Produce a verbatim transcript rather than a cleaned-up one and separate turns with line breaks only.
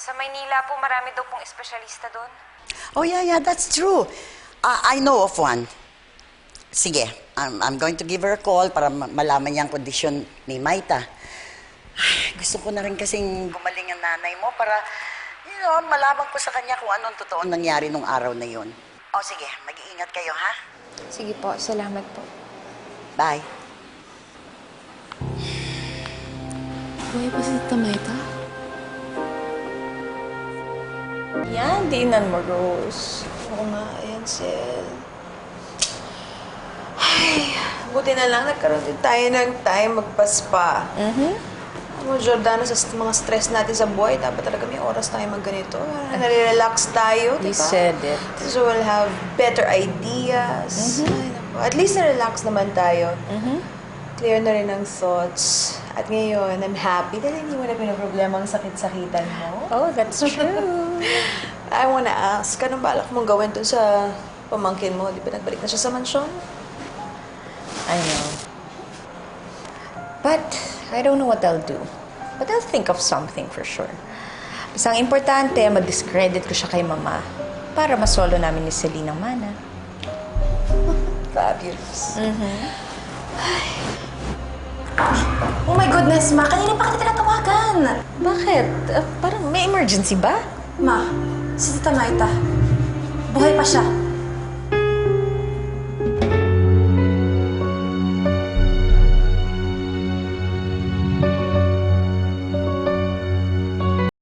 Sa Maynila po, marami daw pong espesyalista doon.
Oh, yeah, yeah, that's true. Uh, I know of one. Sige, I'm, I'm going to give her a call para ma- malaman niya ang kondisyon ni Maita. Ay, gusto ko na rin kasing gumaling ang nanay mo para, you know, malaman ko sa kanya kung anong totoo nangyari nung araw na yun. O sige, mag-iingat kayo, ha?
Sige po, salamat po.
Bye.
Buhay pa si Tita Maita?
Yan, dinan mo, Rose. Oo nga, ayan, Sil. Ay, buti na lang nagkaroon din tayo ng time magpaspa. Mm-hmm. Alam mo, Jordano, sa mga stress natin sa buhay, dapat talaga may oras tayo magganito. Nare-relax tayo,
You
diba?
said it.
So we'll have better ideas.
Mm-hmm.
Ay, naku. At least na-relax naman tayo.
Mm-hmm.
Clear na rin ang thoughts. At ngayon, I'm happy dahil hindi mo na pinaproblema ang sakit-sakitan mo.
Oh, that's true.
I wanna ask, anong balak mong gawin dun sa pamangkin mo? Di ba nagbalik na siya sa mansyon?
I know. But I don't know what I'll do. But I'll think of something for sure. Basta ang importante, mag-discredit ko siya kay Mama para masolo namin ni Celine ang mana.
Fabulous.
Mm-hmm.
Oh my goodness, Ma! Kanina pa kita tinatawagan!
Bakit? Uh, parang may emergency ba?
Ma, si Tita Maita. Buhay pa siya.